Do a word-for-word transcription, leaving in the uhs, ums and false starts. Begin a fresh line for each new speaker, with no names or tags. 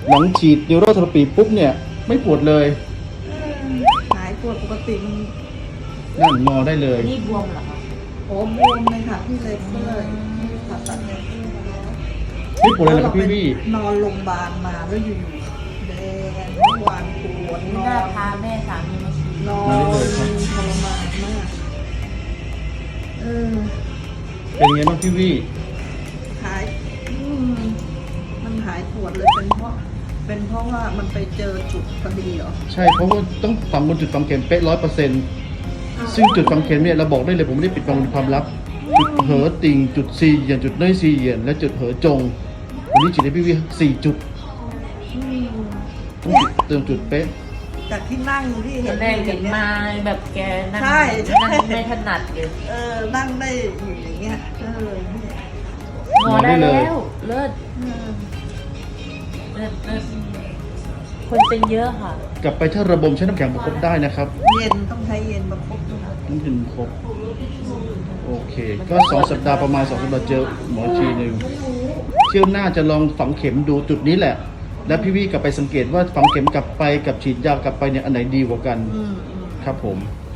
หลังฉีดนิวโรเทอราปีปุ๊บเนี่ยไม่ปวดเลย
หายปวดปกติมัน
นั่งงอได้เลย
นี่บวมเหรอคะ
โอ้บวมเลยค่ะพี่เลยเมื่อยผ่าตัดเนี่ย
ไม่ปวดเลยนะครับพี่วี่
นอนโรงพยาบาลมาแล้วอยู่ๆแดงเมื่อวานปวดน
นี่
อ
น่าน พาแม่สามีมาฉีด
นอนทรมานมากเออ
เป็นไงบ้างพี่วี่
หายอืมมันหายปวดเลยเป็นเพราะ เป็นเพราะว่ามันไปเจอจุดพอดีเหรอ
ใช่เพราะว่าต้องฝังบนจุดฝังเข็มเป๊ะร้อยเปอร์เซ็นต์ซึ่งจุดฝังเข็มเนี่ยเราบอกได้เลยผมไม่ได้ปิดบังความลับ จุดเหอติ่งจุดซีเหยียนจุดเนยซีเหยียนและจุดเหอจงวันนี้ฉีดให้พี่วี่สี่จุด
อืม
ต้อง
เนี่ย
เติมจุดเป๊ะ
จากที่นั่งที่เห็น
แรกเห็นมาแบบแกนั่ง
ใช่ใช่
นั่งไม่ถนัดเลย
เออ นั่งได้อยู่อย่างเงี้ย เออเนี่ย
งอได้แล้วเลิศ
เออ
เลิศเลิศคนเป็นเยอะค่ะ
กลับไปถ้าระบมใช้น้ำแข็งประคบได้นะครับ
เย็นต้องใช้เย็นประคบด้วยนะ
น้ำถึงครบโอเค ก็สองสัปดาห์ประมาณสองสัปดาห์เจอหมอทีหนึ่งเที่ยวหน้าจะลองฝังเข็มดูจุดนี้แหละ แล้วพี่วี่กลับไปสังเกตว่าฝังเข็มกลับไปกับฉีดยากลับไปเนี่ยอันไหนดีกว่ากัน
อืม
ครับผม
อ